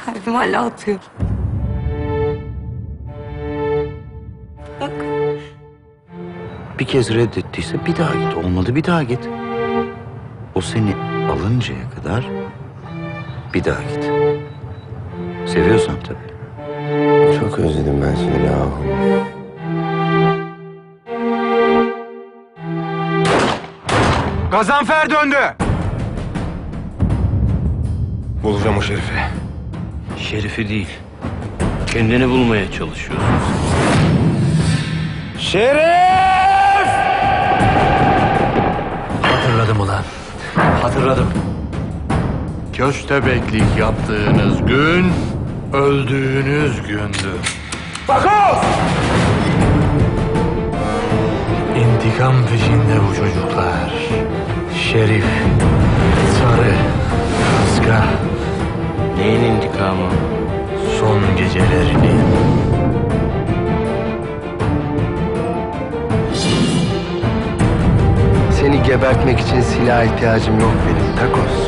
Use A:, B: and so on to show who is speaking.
A: Kalbim hala atıyor. Bak.
B: Bir kez reddettiyse bir daha git. Olmadı bir daha git. O seni alıncaya kadar bir daha git. Seviyorsan tabii.
C: Çok özledim ben seni yahu.
D: Gazanfer döndü. Bulacağım o Şerif'i.
E: Şerif'i değil, kendini bulmaya çalışıyorsun.
D: Şerif!
E: Hatırladım ulan, hatırladım. Köstebeklik yaptığınız gün, öldüğünüz gündü.
D: Takoz!
E: İntikam peşinde bu çocuklar. Şerif, Sarı, Kaska. Neyin intikamı? Son gecelerinin.
C: Seni gebertmek için silah ihtiyacım yok benim Takos.